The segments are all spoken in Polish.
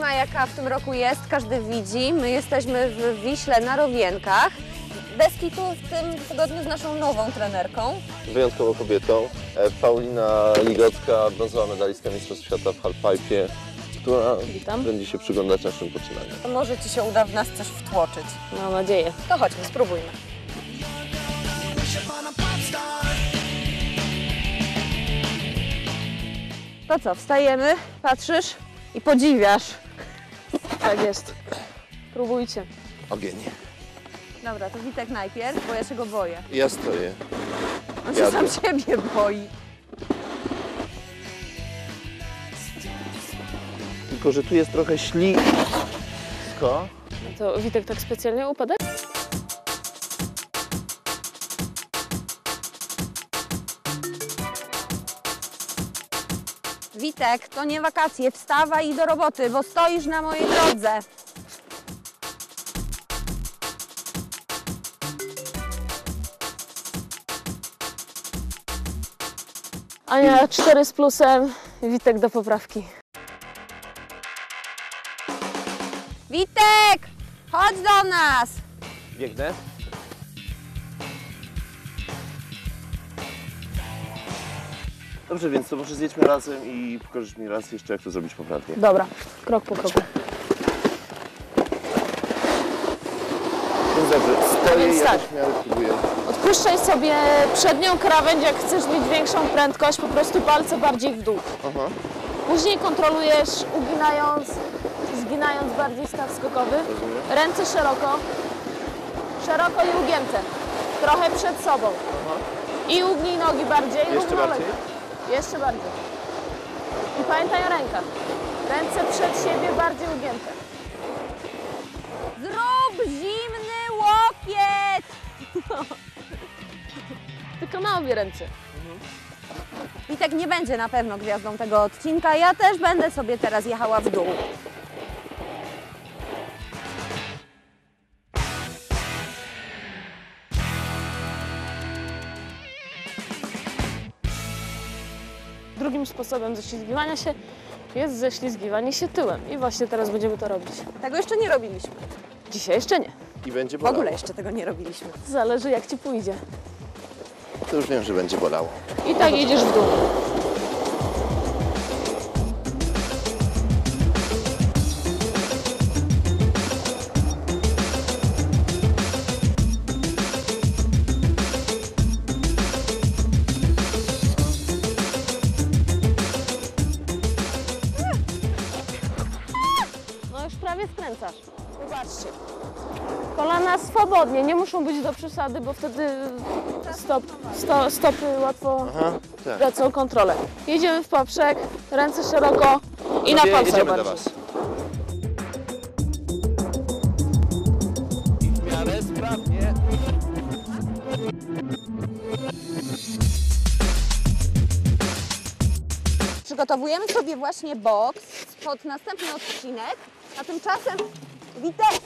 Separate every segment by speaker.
Speaker 1: zima jaka w tym roku jest, każdy widzi. My jesteśmy w Wiśle na Rowienkach. Deski tu w tym tygodniu z naszą nową trenerką.
Speaker 2: Wyjątkową kobietą. Paulina Ligocka, brązowa medalistka Mistrzostw Świata w halfpipe, która będzie się przyglądać naszym poczynaniom.
Speaker 1: Może Ci się uda w nas coś wtłoczyć.
Speaker 3: Mam nadzieję.
Speaker 1: To chodźmy, spróbujmy. To co, wstajemy, patrzysz i podziwiasz.
Speaker 3: Tak jest. Próbujcie.
Speaker 2: Ogień.
Speaker 1: Dobra, to Witek najpierw, bo ja się go boję.
Speaker 2: Ja stoję.
Speaker 1: On się sam siebie boi.
Speaker 2: Tylko, że tu jest trochę ślisko.
Speaker 3: To Witek tak specjalnie upadek?
Speaker 1: Witek, to nie wakacje, wstawaj i do roboty, bo stoisz na mojej drodze.
Speaker 3: Ania 4 z plusem, Witek do poprawki.
Speaker 1: Witek, chodź do nas!
Speaker 2: Biegnę. Dobrze, więc to może zjedźmy razem i pokażesz mi raz jeszcze, jak to zrobić poprawnie.
Speaker 3: Dobra, krok po kroku.
Speaker 2: Więc dobrze, stoję
Speaker 3: Więc
Speaker 2: i
Speaker 3: tak.
Speaker 2: jakoś w miarę próbuję.
Speaker 3: Odpuszczaj sobie przednią krawędź, jak chcesz mieć większą prędkość, po prostu palce bardziej w dół.
Speaker 2: Aha.
Speaker 3: Później kontrolujesz, zginając bardziej staw skokowy.
Speaker 2: Rozumiem.
Speaker 3: Ręce szeroko, szeroko i ugięte. Trochę przed sobą.
Speaker 2: Aha.
Speaker 3: I ugnij nogi bardziej,
Speaker 2: Jeszcze
Speaker 3: równolegle.
Speaker 2: bardziej?
Speaker 3: Jeszcze bardziej. I pamiętaj o rękach. Ręce przed siebie bardziej ugięte.
Speaker 1: Zrób zimny łokieć!
Speaker 3: Tylko na obie ręce.
Speaker 1: Witek nie będzie na pewno gwiazdą tego odcinka, ja też będę sobie teraz jechała w dół.
Speaker 3: Drugim sposobem ześlizgiwania się jest ześlizgiwanie się tyłem. I właśnie teraz będziemy to robić.
Speaker 1: Tego jeszcze nie robiliśmy.
Speaker 3: Dzisiaj jeszcze nie.
Speaker 2: I będzie
Speaker 1: W
Speaker 2: bolało.
Speaker 1: ogóle jeszcze tego nie robiliśmy.
Speaker 3: Zależy jak Ci pójdzie.
Speaker 2: To już wiem, że będzie bolało.
Speaker 3: I tak jedziesz w dół. No już prawie skręcasz. Zobaczcie. Kolana swobodnie, nie muszą być do przesady, bo wtedy stopy łatwo
Speaker 2: Aha, tak.
Speaker 3: tracą kontrolę. Jedziemy w poprzek, ręce szeroko i na
Speaker 2: Sobie
Speaker 3: palcach
Speaker 2: jedziemy do
Speaker 3: bardziej.
Speaker 2: Was. I w miarę sprawnie.
Speaker 1: Przygotowujemy sobie właśnie boks pod następny odcinek, a tymczasem Witek!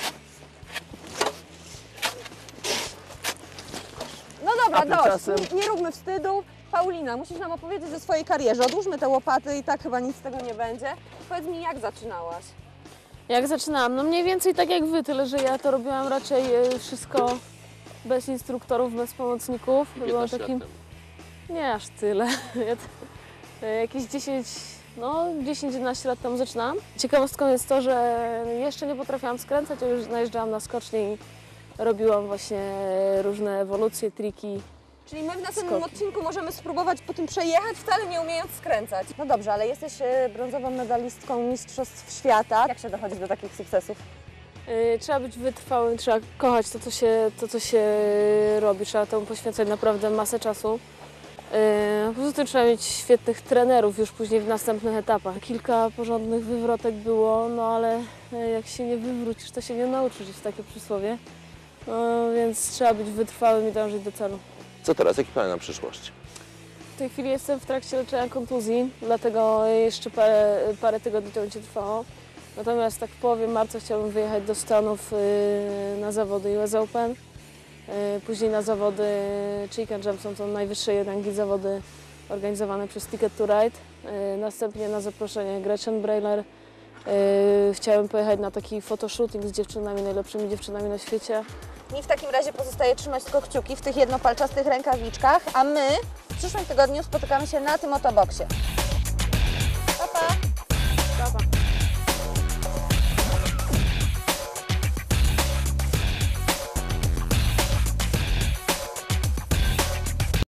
Speaker 1: No dobra,
Speaker 2: A tymczasem-
Speaker 1: dość, nie róbmy wstydu. Paulina, musisz nam opowiedzieć o swojej karierze. Odłóżmy te łopaty i tak chyba nic z tego nie będzie. Powiedz mi, jak zaczynałaś?
Speaker 3: Jak zaczynałam? No mniej więcej tak jak Wy, tyle że ja to robiłam raczej wszystko bez instruktorów, bez pomocników. Byłam takim... Nie aż tyle. Ja jakieś 10-11 lat temu zaczynałam. Ciekawostką jest to, że jeszcze nie potrafiłam skręcać, a już najeżdżałam na skocznie i robiłam właśnie różne ewolucje, triki.
Speaker 1: Czyli my w następnym odcinku możemy spróbować po tym przejechać, wcale nie umiejąc skręcać. No dobrze, ale jesteś brązową medalistką Mistrzostw Świata. Jak się dochodzi do takich sukcesów?
Speaker 3: Trzeba być wytrwałym, trzeba kochać to, co się robi, trzeba temu poświęcać naprawdę masę czasu. Poza tym trzeba mieć świetnych trenerów już później w następnych etapach. Kilka porządnych wywrotek było, no ale jak się nie wywrócisz, to się nie nauczysz, jest takie przysłowie. No, więc trzeba być wytrwałym i dążyć do celu.
Speaker 2: Co teraz? Jaki plan na przyszłość?
Speaker 3: W tej chwili jestem w trakcie leczenia kontuzji, dlatego jeszcze parę tygodni to będzie trwało. Natomiast tak w połowie marca chciałabym wyjechać do Stanów na zawody US Open. Później na zawody Chicken Jam, są to najwyższej rangi zawody organizowane przez Ticket to Ride. Następnie na zaproszenie Gretchen Brailer Chciałem pojechać na taki fotoshooting z dziewczynami, najlepszymi dziewczynami na świecie.
Speaker 1: Mi w takim razie pozostaje trzymać tylko kciuki w tych jednopalczastych rękawiczkach, a my w przyszłym tygodniu spotykamy się na tym oto boksie.